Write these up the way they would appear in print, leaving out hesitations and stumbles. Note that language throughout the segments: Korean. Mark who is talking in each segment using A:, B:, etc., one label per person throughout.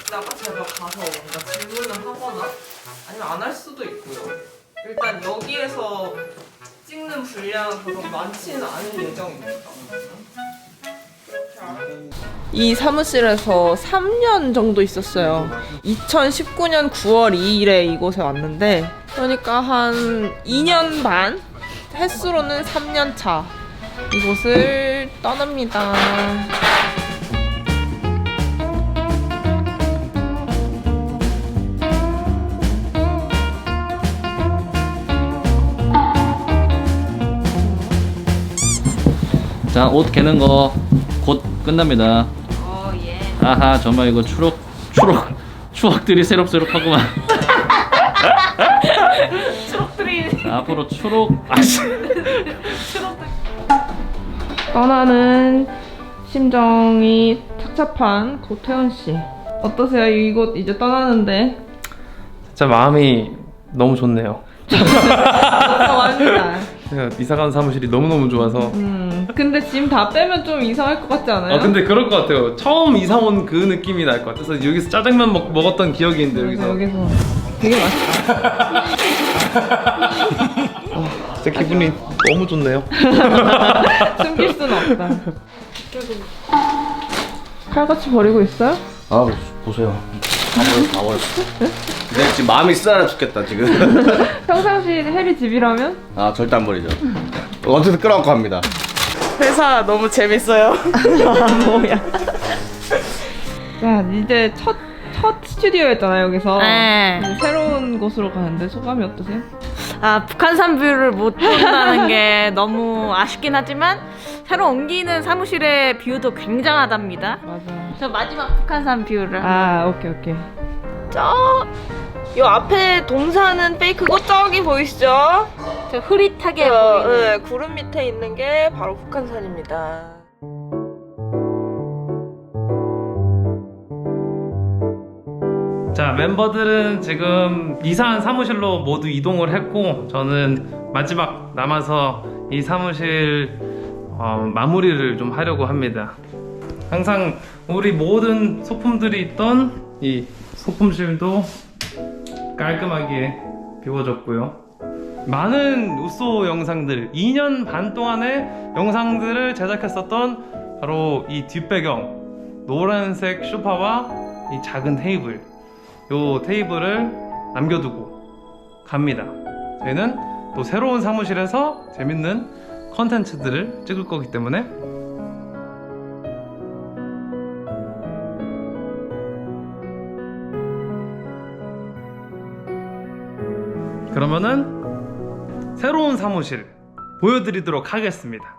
A: 있다가 제가 가서 뭔가 질문을 하거나 아니면 안 할 수도 있고요. 일단 여기에서 찍는 분량은 그렇게 많지는 않은 예정입니다. 이 사무실에서 3년 정도 있었어요. 2019년 9월 2일에 이곳에 왔는데 그러니까 한 2년 반? 횟수로는 3년 차 이곳을 떠납니다.
B: 자, 옷 개는 거 곧 끝납니다.
A: 예.
B: 아하, 정말 이거 추억들이 새록새록하구만.
A: 추억들이
B: 앞으로 아씨.
A: 떠나는 심정이 착잡한 고태원 씨. 어떠세요? 이곳 이제 떠나는데.
C: 진짜 마음이 너무 좋네요.
A: 좋아합니다.
C: 제가 이사간 사무실이 너무너무 좋아서.
A: 근데 짐 다 빼면 좀 이상할 것 같지 않아요?
C: 근데 그럴 것 같아요. 처음 이사 온 그 느낌이 날 것 같아서 여기서 짜장면 먹었던 기억이 있는데 여기서
A: 되게 맛있다.
C: 진짜 기분이 너무 좋네요.
A: 숨길 수는 없다. 칼같이 버리고 있어요?
D: 아 보세요. 다 버렸어. 근데 지금 마음이 쓰라려 죽겠다 지금.
A: 평상시 해리 집이라면?
D: 아 절대 안 버리죠. 어쨌든 끌어안고 합니다.
A: 회사 너무 재밌어요. 뭐야. 자, 이제 첫 스튜디오였잖아요, 여기서.
E: 네.
A: 이제 새로운 곳으로 가는데 소감이 어떠세요?
E: 아, 북한산 뷰를 못 본다는 게 너무 아쉽긴 하지만 새로 옮기는 사무실의 뷰도 굉장하답니다.
A: 맞아.
E: 저 마지막 북한산 뷰를
A: 오케이. 요 앞에 동산은 페이크고 저기 보이시죠?
E: 저 흐릿하게 보이는
A: 네, 구름 밑에 있는 게 바로 북한산입니다.
C: 자, 멤버들은 지금 이사한 사무실로 모두 이동을 했고 저는 마지막 남아서 이 사무실 마무리를 좀 하려고 합니다. 항상 우리 모든 소품들이 있던 이 소품실도 깔끔하게 비워졌고요. 많은 우소 영상들, 2년 반 동안의 영상들을 제작했었던 바로 이 뒷배경, 노란색 소파와 이 작은 테이블, 요 테이블을 남겨두고 갑니다. 저희는 또 새로운 사무실에서 재밌는 컨텐츠들을 찍을 거기 때문에 그러면은 새로운 사무실 보여드리도록 하겠습니다.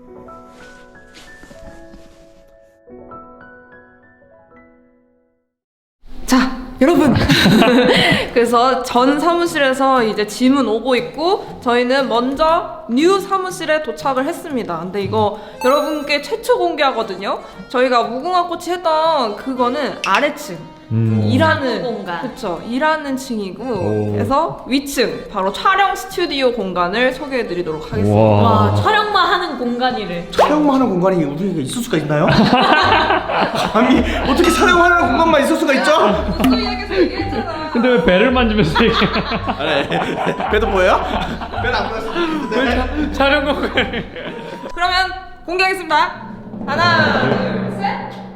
A: 자, 여러분. 그래서 전 사무실에서 이제 짐은 오고 있고 저희는 먼저 뉴 사무실에 도착을 했습니다. 근데 이거 여러분께 최초 공개하거든요. 저희가 무궁화꽃이 했던 그거는 아래층. 일하는
E: 공간.
A: 그쵸, 일하는 층이고 그래서 위층 바로 촬영 스튜디오 공간을 소개해드리도록 하겠습니다.
E: 와, 촬영만 하는 공간이래.
D: 촬영만 하는 공간이 우리에게 있을 수가 있나요? 감히 어떻게 촬영하는 공간만 있을 수가 있죠?
A: 소희에게서 얘기했잖아.
C: 근데 왜 배를 만지면서
D: 아니, 배도 보여요? 배는 안 보였어.
C: 촬영 공간
A: 그러면 공개하겠습니다. 하나, 둘, 셋.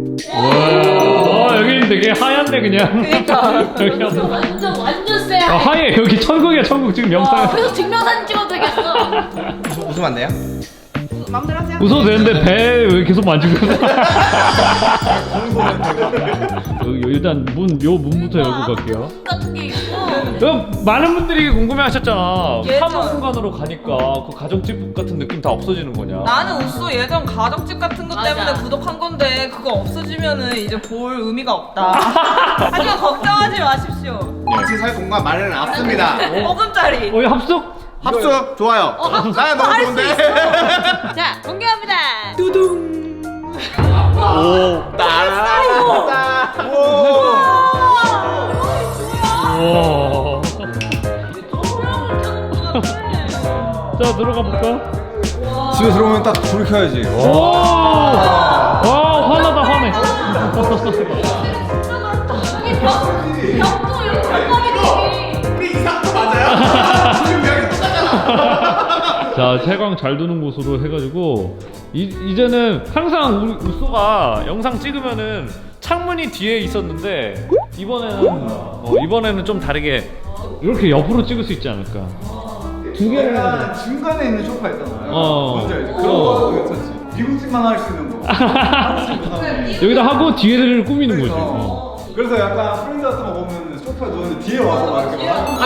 C: 여기는 되게 하얀데 그냥.
A: 그니까.
C: 여기
E: 완전 쎄.
C: 하얘. 여기 천국이야 천국. 지금 영상
E: 그래서 증명사진 찍어도 되겠어.
D: 웃으면 안 돼요?
A: 마음대로 하세요.
C: 웃어도 되는데 배 왜 계속 만지고 있어? 일단 요 문부터 열고 갈게요.
E: 같은 게 있고.
C: 많은 분들이 궁금해하셨잖아.
A: 예전.
C: 사무 공간으로 가니까 그 가정집 같은 느낌 다 없어지는 거냐?
A: 나는 우쏘 예전 가정집 같은 것
E: 맞아.
A: 때문에 구독한 건데 그거 없어지면은 이제 볼 의미가 없다. 하지만 걱정하지 마십시오.
D: 같이 살 공간 마련해 놨습니다.
A: 5분짜리.
C: 합숙?
D: 합숙 좋아요. 나야 너무 좋은데.
E: 자, 공개합니다.
D: 오, 따라. 오.
C: 우와. 자, 들어가 볼까?
D: 집에 들어오면 딱 불을 켜야지.
C: 와, 화나다, 화내.
D: 우리
E: 벽도 이렇게 가까이
D: 우리 이상도 맞아요? 지금 벽이 똑같잖아.
F: 자, 채광 잘 두는 곳으로 해가지고 이제는 항상 우리 우쏘가 영상 찍으면은 창문이 뒤에 있었는데 이번에는 좀 다르게 이렇게 옆으로 찍을 수 있지 않을까. 두 개를
G: 약간 중간에 있는 소파 있잖아요.
F: 어.
G: 뭔지 알지? 그런 거 괜찮지. 미국집만 할 수 있는 거. 한국집 못하는 거.
F: 여기다 하고 뒤에를 꾸미는 거지.
G: 그래서, 그래서 약간 프렌즈 같은 거 보면 소파에 누웠는데 뒤에 와서 막 이렇게 막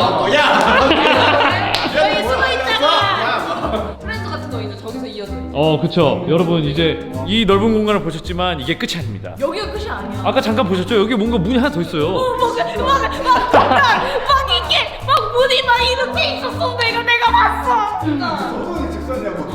E: 저희 숨어 있다가
A: 프렌즈 같은 거 이제 저기서 이어져 있어.
F: 그쵸. 여러분 이제 이 넓은 공간을 보셨지만 이게 끝이 아닙니다.
E: 여기가 끝이 아니야.
F: 아까 잠깐 보셨죠? 여기 뭔가 문이 하나 더 있어요.
E: 막 이게 막 문이 막 이렇게 있었어. 내가 봤어.
G: 소동이 직선이냐고.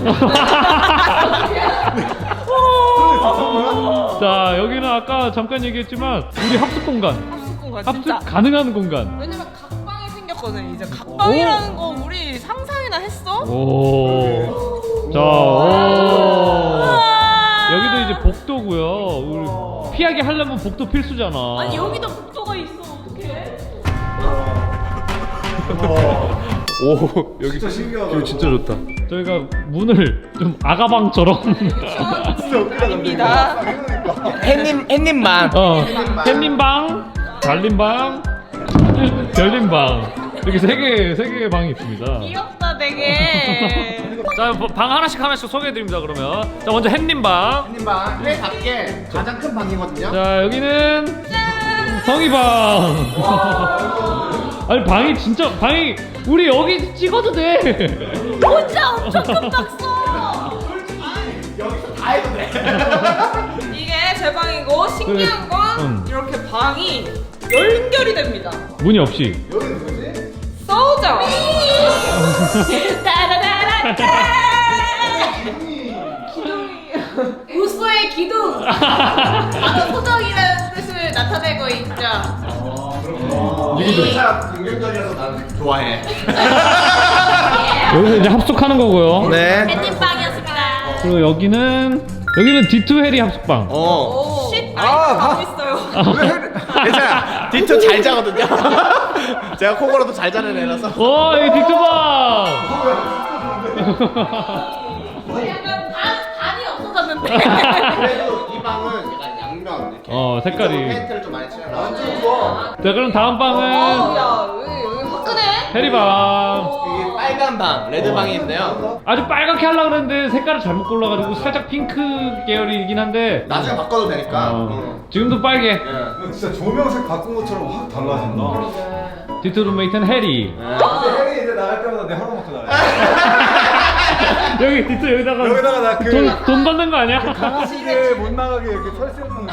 F: 자, 여기는 아까 잠깐 얘기했지만 우리 합숙 공간.
A: 합숙 공간 진짜.
F: 합숙 가능한 공간.
A: 왜냐면 각방이 생겼거든. 이제 각방이라는 거 우리 상상이나 했어?
F: 오. 자, 오. 여기도 이제 복도고요. 우리 피하게 하려면 복도 필수잖아.
E: 아니 여기도 복도가 있어. 어떡해?
F: 오, 여기
G: 진짜 신기하다.
F: 뷰 진짜 좋다. 저희가 문을 좀 아가방처럼
A: 아닙니다.
D: 햇님만.
F: 햇님방, 달님방, 별님방 이렇게 세 개의 방이 있습니다.
E: 귀엽다 되게.
F: 자, 방 하나씩 소개해드립니다. 그러면 자, 먼저 햇님방.
D: 햇님방 회답게 가장 큰 방이거든요.
F: 자, 여기는 성희방. 아니 방이 우리 여기 찍어도 돼.
E: 혼자 엄청 금방 써.
D: 여기서 다 해도 돼.
A: 이게 제 방이고 신기한 건 이렇게 방이 연결이 됩니다.
F: 문이 없이.
G: 여기 누구지?
A: 써우죠?
E: 우소의 기둥. 바로 소정이라는 뜻을 나타내고 있죠.
D: 진짜 긍정적이라서 난 좋아해.
F: 여기서 이제 합숙하는 거고요.
D: 네.
E: 햇님방이었습니다.
F: 그리고 여기는 디투 해리 합숙방.
A: 오, 쉿 가고 있어요.
D: 괜찮아. 디투 잘 자거든요. 제가 코골어도 잘 자는 애라서.
F: 여기 디투방.
E: 약간 반이 없어졌는데.
D: 그래도 이 방은 약간 양면 이렇게.
F: 색깔이.
D: 페인트를 좀 많이 칠해놔.
F: 자, 그럼 다음 방은
A: 야, 여기 화끈해.
F: 해리방.
D: 이게 빨간 방, 레드 방이 있는데요.
F: 아주 빨갛게 하려고 그랬는데 색깔을 잘못 골라가지고 살짝 핑크 계열이긴 한데
D: 나중에 바꿔도 되니까.
F: 지금도 빨개.
G: 이거 진짜 조명색 바꾼 것처럼 확 달라진다.
F: 디투 룸메이트는 해리.
G: 근데 혜리 이제 나갈 때마다 내 하루 먹고 나가.
F: 여기 디투 여기다가
G: 여기다가 나 그
F: 돈 받는 거 아니야?
G: 강아지들 못 나가게 이렇게 털세우는 거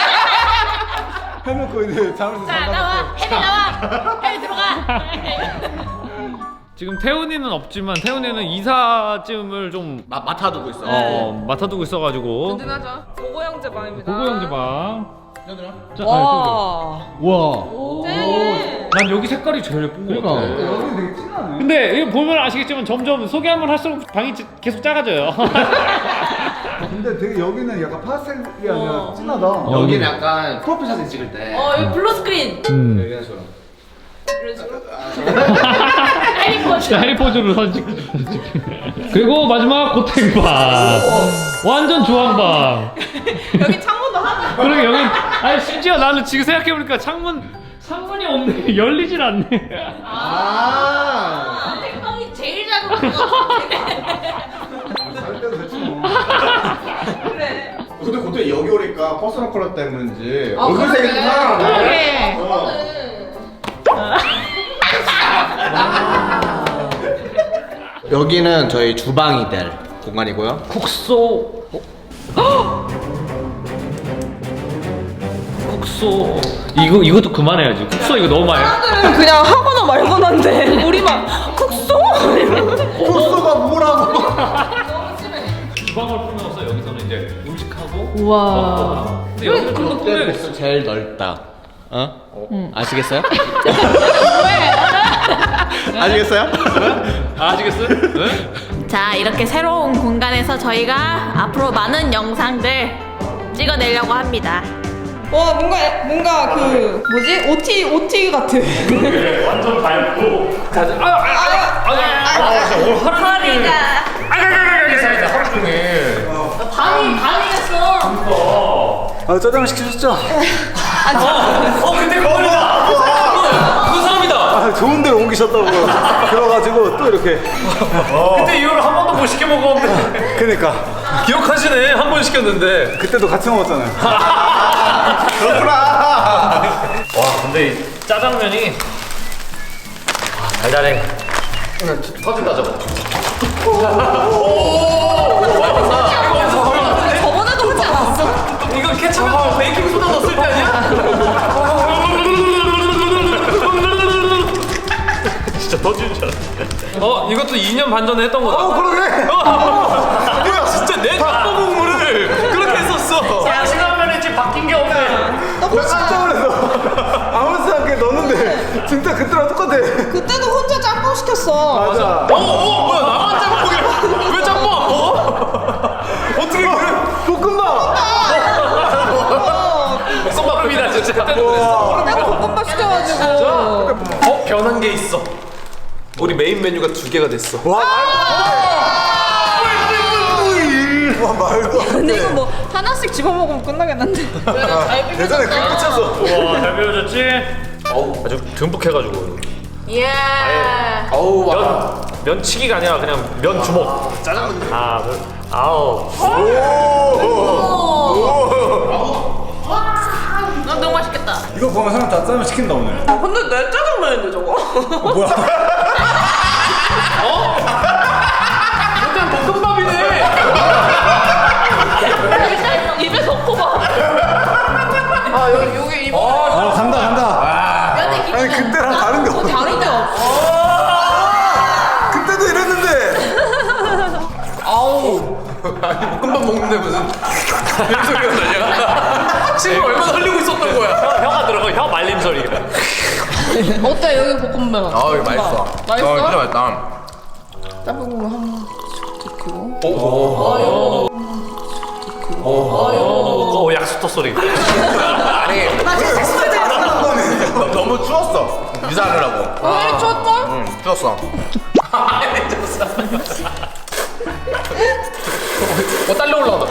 G: 해놓고 이제 잠을
E: 자 나와. 혜리 나와. 혜리 들어가.
F: 지금 태훈이는 없지만 태훈이는 이사쯤을 좀
D: 맡아두고 있어.
F: 맡아두고 있어가지고
A: 든든하죠. 고고 형제 방입니다.
F: 고고 형제 방. 자,
A: 와.
F: 와.
A: 네.
F: 난 여기 색깔이 제일 예쁜 거 같아.
G: 여기 되게 진하네.
F: 근데 이거 보면 아시겠지만 점점 소개하면 할수록 방이 계속 작아져요.
G: 근데 되게 여기는 약간 파스텔이 아니라 진하다.
D: 여기는 약간 프로필 사진 찍을 때.
E: 여기 블루 스크린.
D: 이런 식으로.
E: 이런 식으로. 해리 포즈.
F: 자, 해리포즈로 사진 찍. 그리고 마지막 고탱방. 완전 주황방.
A: 여기 창문도 하나.
F: 그러게 여기 심지어 나는 지금 생각해보니까 창문이 없네. 열리질 않네.
E: 생방이 제일 작은 것 같아.
G: 살 때도 됐지 뭐.
A: 그래.
D: 근데 그때 여기 오니까 퍼스널 컬러 때문인지
A: 아,
D: 얼굴색이
A: 그러네.
D: 좀 살아나네.
E: 그래.
D: 여기는 저희 주방이 될 공간이고요.
F: 국소. 국소. 이것도 그만해야지. 국소 이거 너무 많이.
A: 사람들은 그냥 하거나 말거나인데 우리 막 국소?
D: 코스가 뭐라고?
F: 주방을 꾸며서 여기서는 이제 음식하고.
A: 우와.
F: 근데 여기는 좀 더 꾸며야겠어.
D: 코스 제일 넓다. 아시겠어요? 아시겠어요?
F: 아시겠어요? 네?
E: 자 이렇게 새로운 공간에서 저희가 앞으로 많은 영상들 찍어내려고 합니다.
A: 와 뭔가 그 뭐지 OT 같은.
F: 완전 밝고.
E: 허리가
F: 하루 종일.
E: 밤이었어.
D: 아 짜장면 시키셨죠?
F: 근데 거울이다. 그 사람이다.
D: 아 좋은 데로 옮기셨다고 그래가지고 또 이렇게
F: 그때 이후로 한 번도 못 시켜 먹었는데.
D: 그러니까
C: 기억하시네. 한 번 시켰는데.
D: 그때도 같이 먹었잖아요. 그렇구나.
F: 와 근데 이 짜장면이 달달해. 터진다 저거.
A: 저번에도 하지 않았어?
C: 이거 케첩하고 베이킹 소다 넣었을 때 아니야?
F: 진짜 터지는 줄 알았어.
C: 이것도 2년 반 전에 했던 거다.
D: 그러네.
C: 뭐야, 진짜 내 짬뽕국물을 그렇게 했었어.
F: 짜장면에 지금 바뀐 게 없네.
D: 나 진짜 그랬어. 아무렇지 않게 넣었는데 진짜 그때랑 똑같아.
A: 그때도 혼자 짬뽕 시켰어.
D: 맞아.
C: 뭐야, 나만 짬뽕이야. 왜 짬뽕 안 먹어? 어떻게 그래?
D: 볶음밥.
C: 썸밥입니다, 진짜. 그때도 그랬어.
A: 내가 볶음밥 시켜가지고.
C: 변한 게 있어. 우리 메인 메뉴가 2개가 됐어.
D: 와 말도 안
A: 근데
D: 돼.
A: 이거 뭐 하나씩 집어 먹으면 끝나겠는데.
D: 예전에 그렇게 쳤어.
F: 우와 잘 배워졌지? 아주 듬뿍 해가지고.
E: 예.
F: 면치기가 아니라 그냥 면 주먹. 짜장면. 아우.
E: 너무 맛있겠다.
D: 이거 보면 사람 다 짜장면 시킨다 오늘.
A: 근데 내 짜장면인데 저거?
D: 뭐야?
C: 일단 볶음밥이네.
E: 입에 넣고 봐.
A: 여기 이거
D: 간다.
E: 면에
D: 아니 그때랑 다른 게 없어.
A: 다른 데 없어.
D: 그때도 이랬는데.
C: 볶음밥 먹는데 무슨 이런 소리가 나냐? 지금 얼마나 흘리고 있었던 거야.
F: 혀가 들어가 혀 말림 소리가.
A: 어때 여기 볶음면?
C: 이거 맛있어.
A: 맛있어?
C: 진짜 맛있다.
A: 짬뽕국물 한번 넣고.
F: 약수터 소리.
C: 아니, 너무 추웠어. 유산하느라고.
A: 왜 이리 추웠어?
C: 응, 추웠어. 딸려 올라온다.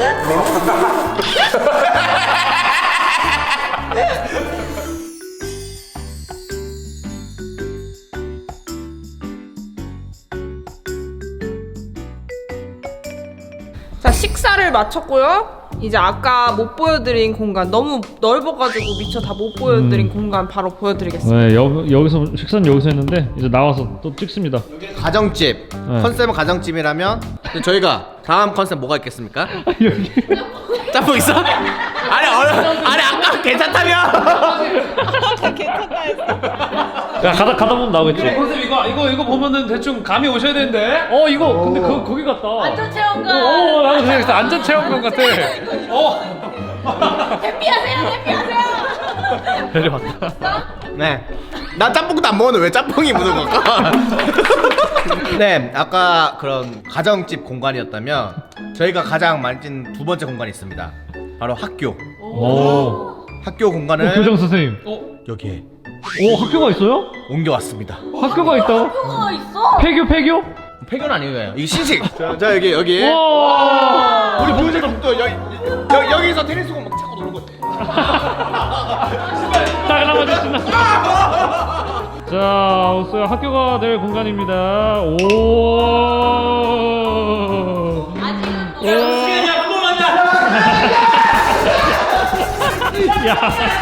A: 자, 식사를 마쳤고요. 이제 아까 못 보여드린 공간 너무 넓어가지고 미처 다 못 보여드린 공간 바로 보여드리겠습니다.
F: 네 여기서 식사는 여기서 했는데 이제 나와서 또 찍습니다.
H: 가정집 컨셉은 가정집이라면 저희가 다음 컨셉 뭐가 있겠습니까?
F: 여기.
H: 짬뽕 있어? 아니 아까 괜찮다며.
F: 야 가다 보면 나오겠지.
C: 컨셉 이거 보면은 대충 감이 오셔야 되는데.
F: 이거 근데 거기 같다.
E: 안전 체험관.
F: 나도 생각했어. 안전 체험관 같아.
E: 해피하세요.
F: 내려왔다.
H: 네. 나 짬뽕도 안 먹었는데 왜 짬뽕이 묻은 걸까? 네, 아까 그런 가정집 공간이었다면 저희가 가장 많이 찐 두 번째 공간이 있습니다. 바로 학교.
F: 오.
H: 학교 공간을
F: 교장 선생님.
H: 여기에
F: 학교가 있어요?
H: 옮겨왔습니다.
F: 학교가 있다.
E: 뭐가 있어?
F: 폐교?
H: 폐교는 아니에요. 이게 신식. 자 여기.
F: 와.
H: 우리 보여줘. 또 여기서 테니스공 막 차고 노는 거.
F: 잠깐만 신나. 자, 오스야 학교가 될 공간입니다. 오.
E: 아직은
F: 야.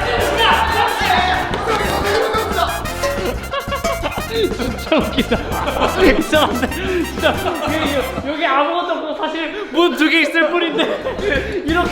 F: 진짜 웃기다. 이상한데. 진짜 여기 아무것도 없고 사실 문 2개 있을 뿐인데 이렇게.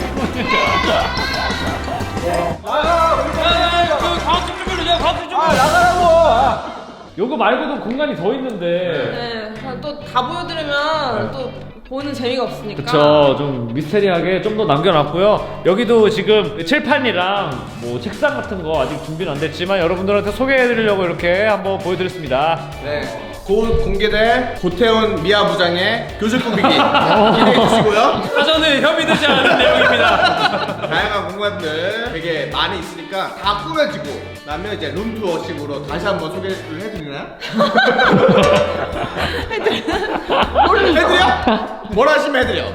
F: 요거 말고도 공간이 더 있는데.
A: 네, 또 다 보여드리면 또 보는 재미가 없으니까.
F: 그쵸, 좀 미스테리하게 좀 더 남겨놨고요. 여기도 지금 칠판이랑 뭐 책상 같은 거 아직 준비는 안 됐지만 여러분들한테 소개해드리려고 이렇게 한번 보여드렸습니다.
C: 네.
H: 곧 공개될 고태훈 미아 부장의 교실 꾸미기 기대해 주시고요.
F: 사전에 협의되지 않은 내용입니다.
H: 다양한 공간들 되게 많이 있으니까 다 꾸며지고 나면 이제 룸투어식으로 다시 한번 소개를 해드리나요? 해드려? 뭘 하시면 해드려.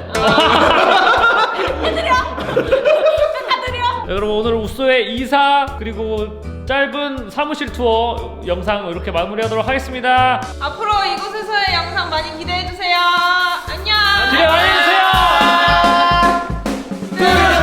F: 네, 여러분 오늘 우소의 이사 그리고 짧은 사무실 투어 영상 이렇게 마무리하도록 하겠습니다.
A: 앞으로 이곳에서의 영상 많이 기대해주세요. 안녕.
F: 기대 많이 해주세요.